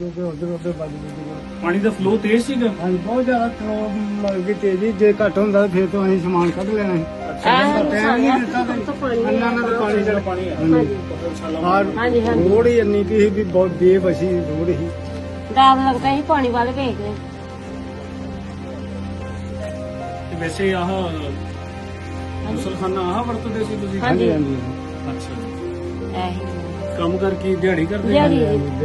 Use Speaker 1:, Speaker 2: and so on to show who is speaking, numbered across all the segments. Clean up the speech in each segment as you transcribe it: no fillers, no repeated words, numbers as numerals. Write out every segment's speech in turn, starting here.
Speaker 1: ਉਧਰ ਉਧਰ ਵੱਜ ਗਈ।
Speaker 2: ਪਾਣੀ ਦਾ ਫਲੋ ਤੇਜ਼ ਸੀਗਾ।
Speaker 1: ਹਾਂਜੀ ਬਹੁਤ ਜ਼ਿਆਦਾ ਫਲੋ ਲੱਗ ਗਈ ਤੇਜ਼ੀ। ਜੇ ਘੱਟ ਹੁੰਦਾ ਫਿਰ ਤੋਂ ਅਸੀਂ ਸਮਾਨ ਕੱਢ ਲੈਣਾ ਸੀ। ਟਾਈਮ ਨਹੀਂ ਦਿੱਤਾ ਤੇ ਇੰਨਾ ਨਾ ਪਾਣੀ ਚੜ ਪਾਣੀ ਰੋੜ ਹੀ ਇੰਨੀ ਕੀ ਸੀ ਵੀ ਬਹੁਤ ਬੇਵਸੀ ਰੋੜ ਹੀ।
Speaker 3: ਡਰ ਲੱਗਦਾ ਸੀ ਪਾਣੀ ਵੱਲ ਵੇਖ ਕੇ।
Speaker 2: ਤੇ ਵੈਸੇ ਆਹ ਮੁਸਲਖਾਨਾ ਆਹ ਵਰਤਦੇ ਸੀ ਤੁਸੀਂ?
Speaker 1: ਹਾਂਜੀ ਹਾਂਜੀ
Speaker 2: ਅੱਛਾ ਜੀ।
Speaker 3: ਇਹੀ
Speaker 2: ਕੰਮ ਕਰਕੇ ਦਿਹਾੜੀ ਕਰਦੇ?
Speaker 3: ਦਿਹਾੜੀ।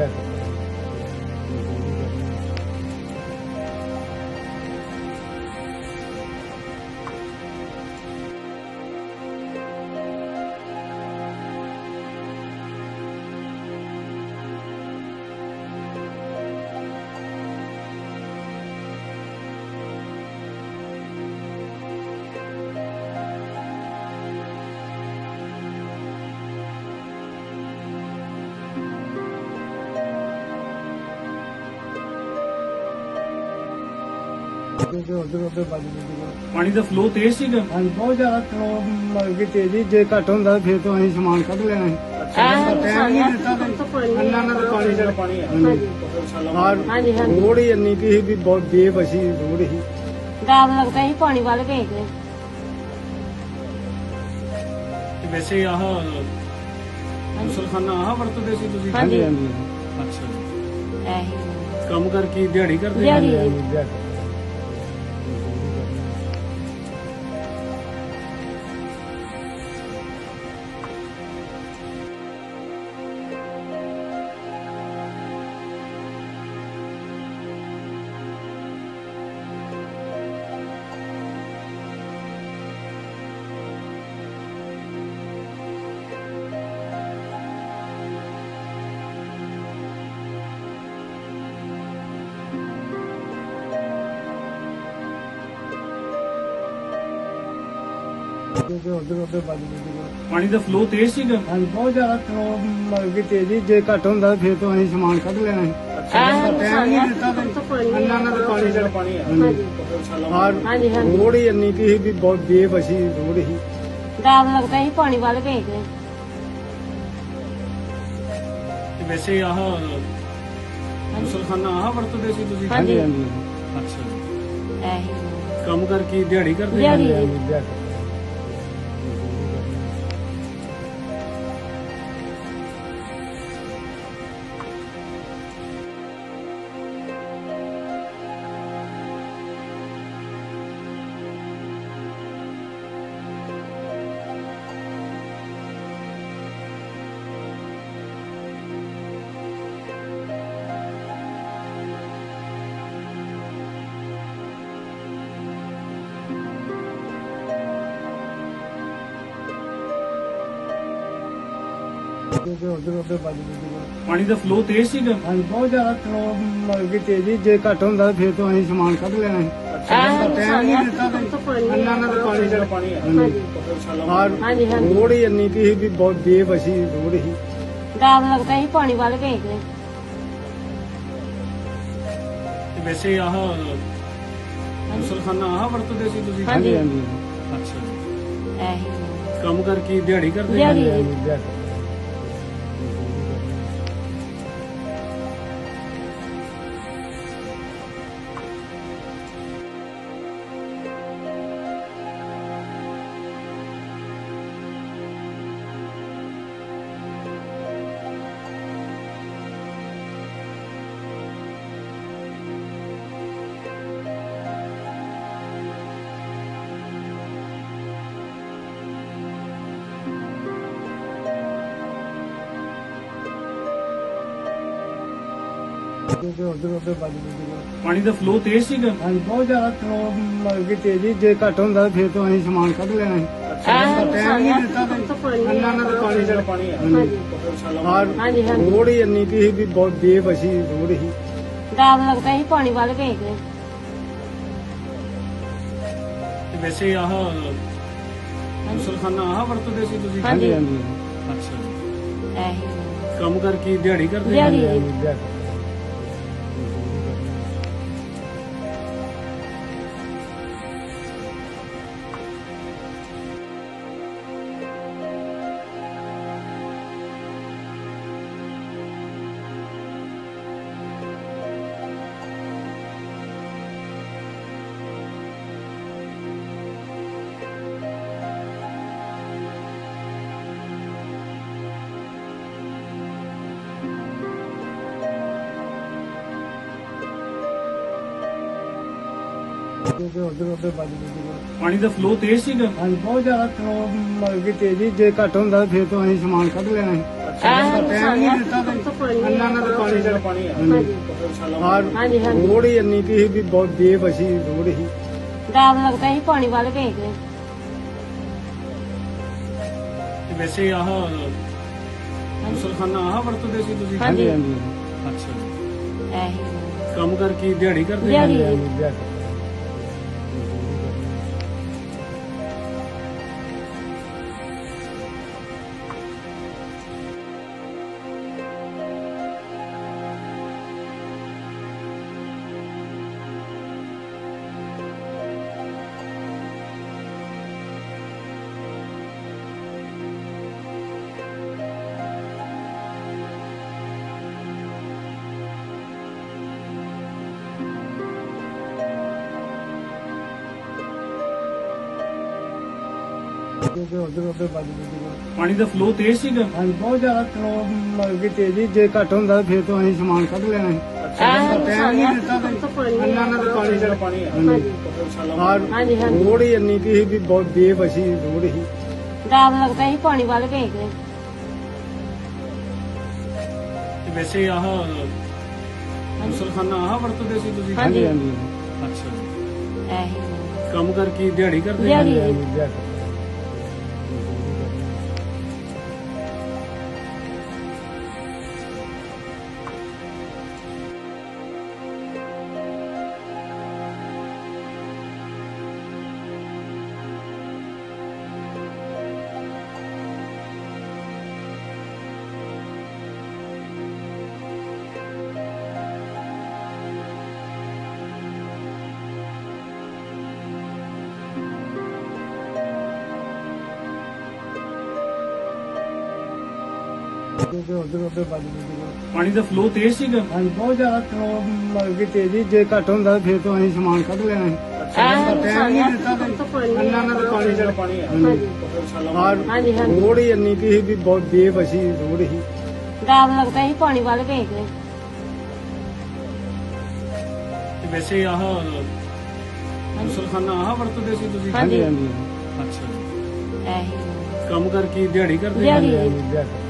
Speaker 1: ਉਧਰ ਉਧਰ ਵੱਜ ਗਈ।
Speaker 2: ਪਾਣੀ ਦਾ ਫਲੋ ਤੇਜ਼ ਸੀਗਾ।
Speaker 1: ਹਾਂਜੀ ਬਹੁਤ ਜ਼ਿਆਦਾ ਫਲੋ ਲੱਗ ਗਈ ਤੇਜ਼ੀ। ਜੇ ਘੱਟ ਹੁੰਦਾ ਫਿਰ ਤੋਂ ਅਸੀਂ ਸਮਾਨ ਕੱਢ ਲੈਣਾ ਸੀ। ਟਾਈਮ ਨਹੀਂ ਦਿੱਤਾ ਤੇ ਇੰਨਾ ਨਾ ਪਾਣੀ ਚੜ ਪਾਣੀ ਰੋੜ ਹੀ ਇੰਨੀ ਕੀ ਸੀ ਵੀ ਬਹੁਤ ਬੇਵਸੀ ਰੋੜ ਹੀ।
Speaker 3: ਡਰ ਲੱਗਦਾ ਸੀ ਪਾਣੀ ਵੱਲ ਵੇਖ ਕੇ।
Speaker 2: ਤੇ ਵੈਸੇ ਆਹ ਮੁਸਲਖਾਨਾ ਆਹ ਵਰਤਦੇ ਸੀ ਤੁਸੀਂ?
Speaker 1: ਹਾਂਜੀ ਹਾਂਜੀ
Speaker 2: ਅੱਛਾ ਜੀ।
Speaker 3: ਇਹੀ
Speaker 2: ਕੰਮ ਕਰਕੇ ਦਿਹਾੜੀ ਕਰਦੇ?
Speaker 3: ਦਿਹਾੜੀ।
Speaker 1: ਉਧਰ ਉਧਰ ਵੱਜ ਗਈ।
Speaker 2: ਪਾਣੀ ਦਾ ਫਲੋ ਤੇਜ਼ ਸੀਗਾ।
Speaker 1: ਹਾਂਜੀ ਬਹੁਤ ਜ਼ਿਆਦਾ ਫਲੋ ਲੱਗ ਗਈ ਤੇਜ਼ੀ। ਜੇ ਘੱਟ ਹੁੰਦਾ ਫਿਰ ਤੋਂ ਅਸੀਂ ਸਮਾਨ ਕੱਢ ਲੈਣਾ ਸੀ। ਟਾਈਮ ਨਹੀਂ ਦਿੱਤਾ ਤੇ ਇੰਨਾ ਨਾ ਪਾਣੀ ਚੜ ਪਾਣੀ ਰੋੜ ਹੀ ਇੰਨੀ ਕੀ ਸੀ ਵੀ ਬਹੁਤ ਬੇਵਸੀ ਰੋੜ ਹੀ।
Speaker 3: ਡਰ ਲੱਗਦਾ ਸੀ ਪਾਣੀ ਵੱਲ ਵੇਖ ਕੇ।
Speaker 2: ਤੇ ਵੈਸੇ ਆਹ ਮੁਸਲਖਾਨਾ ਆਹ ਵਰਤਦੇ ਸੀ ਤੁਸੀਂ?
Speaker 1: ਹਾਂਜੀ ਹਾਂਜੀ
Speaker 2: ਅੱਛਾ ਜੀ।
Speaker 3: ਇਹੀ
Speaker 2: ਕੰਮ ਕਰਕੇ ਦਿਹਾੜੀ ਕਰਦੇ?
Speaker 3: ਦਿਹਾੜੀ।
Speaker 1: ਉਧਰ ਉਧਰ ਵੱਜ ਗਈ।
Speaker 2: ਪਾਣੀ ਦਾ ਫਲੋ ਤੇਜ਼ ਸੀਗਾ।
Speaker 1: ਹਾਂਜੀ ਬਹੁਤ ਜ਼ਿਆਦਾ ਫਲੋ ਲੱਗ ਗਈ ਤੇਜ਼ੀ। ਜੇ ਘੱਟ ਹੁੰਦਾ ਫਿਰ ਤੋਂ ਅਸੀਂ ਸਮਾਨ ਕੱਢ ਲੈਣਾ ਸੀ। ਟਾਈਮ ਨਹੀਂ ਦਿੱਤਾ ਤੇ ਇੰਨਾ ਨਾ ਪਾਣੀ ਚੜ ਪਾਣੀ ਰੋੜ ਹੀ ਇੰਨੀ ਕੀ ਸੀ ਵੀ ਬਹੁਤ ਬੇਵਸੀ ਰੋੜ ਹੀ।
Speaker 3: ਡਰ ਲੱਗਦਾ ਸੀ ਪਾਣੀ ਵੱਲ ਵੇਖ ਕੇ।
Speaker 2: ਤੇ ਵੈਸੇ ਆਹ ਮੁਸਲਖਾਨਾ ਆਹ ਵਰਤਦੇ ਸੀ ਤੁਸੀਂ?
Speaker 1: ਹਾਂਜੀ ਹਾਂਜੀ
Speaker 2: ਅੱਛਾ ਜੀ।
Speaker 3: ਇਹੀ
Speaker 2: ਕੰਮ ਕਰਕੇ ਦਿਹਾੜੀ ਕਰਦੇ?
Speaker 3: ਦਿਹਾੜੀ।
Speaker 1: ਉਧਰ ਉਧਰ ਵੱਜ ਗਈ।
Speaker 2: ਪਾਣੀ ਦਾ ਫਲੋ ਤੇਜ਼ ਸੀਗਾ।
Speaker 1: ਹਾਂਜੀ ਬਹੁਤ ਜ਼ਿਆਦਾ ਫਲੋ ਲੱਗ ਗਈ ਤੇਜ਼ੀ। ਜੇ ਘੱਟ ਹੁੰਦਾ ਫਿਰ ਤੋਂ ਅਸੀਂ ਸਮਾਨ ਕੱਢ ਲੈਣਾ ਸੀ। ਟਾਈਮ ਨਹੀਂ ਦਿੱਤਾ ਤੇ ਇੰਨਾ ਨਾ ਪਾਣੀ ਚੜ ਪਾਣੀ ਰੋੜ ਹੀ ਇੰਨੀ ਕੀ ਸੀ ਵੀ ਬਹੁਤ ਬੇਵਸੀ ਰੋੜ ਹੀ।
Speaker 3: ਡਰ ਲੱਗਦਾ ਸੀ ਪਾਣੀ ਵੱਲ ਵੇਖ ਕੇ।
Speaker 2: ਤੇ ਵੈਸੇ ਆਹ ਮੁਸਲਖਾਨਾ ਆਹ ਵਰਤਦੇ ਸੀ ਤੁਸੀਂ?
Speaker 1: ਹਾਂਜੀ ਹਾਂਜੀ
Speaker 2: ਅੱਛਾ ਜੀ।
Speaker 3: ਇਹੀ
Speaker 2: ਕੰਮ ਕਰਕੇ ਦਿਹਾੜੀ ਕਰਦੇ?
Speaker 3: ਦਿਹਾੜੀ।
Speaker 1: ਕਿਉਂਕਿ ਉਧਰ ਉਧਰ ਵੱਜ ਗਈ।
Speaker 2: ਪਾਣੀ ਦਾ ਫਲੋ ਤੇਜ਼ ਸੀਗਾ।
Speaker 1: ਹਾਂਜੀ ਬਹੁਤ ਜ਼ਿਆਦਾ ਫਲੋ ਲੱਗ ਗਈ ਤੇਜ਼ੀ, ਜੇ ਘੱਟ ਹੁੰਦਾ ਤਾਂ ਫਿਰ ਤੋਂ ਅਸੀਂ ਸਮਾਨ ਕੱਢ ਲੈਣਾ ਸੀ। ਟਾਈਮ ਨਹੀਂ ਦਿੱਤਾ ਤਾਂ ਇੰਨਾ ਨਾ ਤਾਂ ਪਾਣੀ ਦਾ
Speaker 2: ਪਾਣੀ ਆ
Speaker 3: ਹਾਂਜੀ ਹਾਂਜੀ
Speaker 1: ਰੋੜ ਹੀ ਇੰਨੀ ਕੀ ਸੀ ਵੀ ਬਹੁਤ ਬੇਵਸੀ ਰੋੜ ਸੀ।
Speaker 3: ਡਰ ਲੱਗਦਾ ਸੀ ਪਾਣੀ ਵੱਲ ਵੇਖਦੇ।
Speaker 2: ਤੇ ਵੈਸੇ ਆਹ ਮੁਸਲਖਾਨਾ ਆਹ ਵਰਤਦੇ ਸੀ ਤੁਸੀਂ?
Speaker 3: ਹਾਂਜੀ
Speaker 1: ਹਾਂਜੀ
Speaker 2: ਅੱਛਾ ਜੀ।
Speaker 3: ਇਹੀ
Speaker 2: ਕੰਮ ਕਰਕੇ ਦਿਹਾੜੀ ਕਰਦੇ?
Speaker 3: ਦਿਹਾੜੀ।
Speaker 1: ਦਿਹਾੜੀ। ਕਿਉਂਕਿ ਉਧਰ ਉਧਰ ਵੱਜ ਗਈ।
Speaker 2: ਪਾਣੀ ਦਾ ਫਲੋ ਤੇਜ਼ ਸੀਗਾ।
Speaker 1: ਹਾਂਜੀ ਬਹੁਤ ਜ਼ਿਆਦਾ ਫਲੋ ਲੱਗ ਗਈ ਤੇਜ਼ੀ, ਜੇ ਘੱਟ ਹੁੰਦਾ ਤਾਂ ਫਿਰ ਤੋਂ ਅਸੀਂ ਸਮਾਨ ਕੱਢ ਲੈਣਾ ਸੀ। ਟਾਈਮ ਨਹੀਂ ਦਿੱਤਾ ਤਾਂ ਇੰਨਾ ਨਾ ਤਾਂ ਪਾਣੀ ਦਾ
Speaker 2: ਪਾਣੀ ਆ
Speaker 3: ਹਾਂਜੀ ਹਾਂਜੀ
Speaker 1: ਰੋੜ ਹੀ ਇੰਨੀ ਕੀ ਸੀ ਵੀ ਬਹੁਤ ਬੇਵਸੀ ਰੋੜ ਸੀ।
Speaker 3: ਡਰ ਲੱਗਦਾ ਸੀ ਪਾਣੀ ਵੱਲ ਵੇਖਦੇ।
Speaker 2: ਤੇ ਵੈਸੇ ਆਹ ਮੁਸਲਖਾਨਾ ਆਹ ਵਰਤਦੇ ਸੀ ਤੁਸੀਂ?
Speaker 3: ਹਾਂਜੀ
Speaker 2: ਅੱਛਾ ਜੀ।
Speaker 3: ਇਹੀ
Speaker 2: ਕੰਮ ਕਰਕੇ ਦਿਹਾੜੀ ਕਰਦੇ?
Speaker 3: ਦਿਹਾੜੀ।
Speaker 1: ਦਿਹਾੜੀ। ਕਿਉਂਕਿ ਉਧਰ ਉਧਰ ਵੱਜ ਗਈ।
Speaker 2: ਪਾਣੀ ਦਾ ਫਲੋ ਤੇਜ਼ ਸੀਗਾ।
Speaker 1: ਹਾਂਜੀ ਬਹੁਤ ਜ਼ਿਆਦਾ ਫਲੋ ਲੱਗ ਗਈ ਤੇਜ਼ੀ, ਜੇ ਘੱਟ ਹੁੰਦਾ ਤਾਂ ਫਿਰ ਤੋਂ ਅਸੀਂ ਸਮਾਨ ਕੱਢ ਲੈਣਾ ਸੀ। ਟਾਈਮ ਨਹੀਂ ਦਿੱਤਾ ਤਾਂ ਇੰਨਾ ਨਾ ਤਾਂ ਪਾਣੀ ਦਾ
Speaker 2: ਪਾਣੀ ਆ
Speaker 3: ਹਾਂਜੀ ਹਾਂਜੀ
Speaker 1: ਰੋੜ ਹੀ ਇੰਨੀ ਕੀ ਸੀ ਵੀ ਬਹੁਤ ਬੇਵਸੀ ਰੋੜ ਸੀ।
Speaker 3: ਡਰ ਲੱਗਦਾ ਸੀ ਪਾਣੀ ਵੱਲ ਵੇਖਦੇ।
Speaker 2: ਤੇ ਵੈਸੇ ਆਹ ਮੁਸਲਖਾਨਾ ਆਹ ਵਰਤਦੇ ਸੀ ਤੁਸੀਂ?
Speaker 3: ਹਾਂਜੀ
Speaker 2: ਅੱਛਾ ਜੀ।
Speaker 3: ਇਹੀ
Speaker 2: ਕੰਮ ਕਰਕੇ ਦਿਹਾੜੀ ਕਰਦੇ?
Speaker 3: ਦਿਹਾੜੀ।
Speaker 1: ਦਿਹਾੜੀ।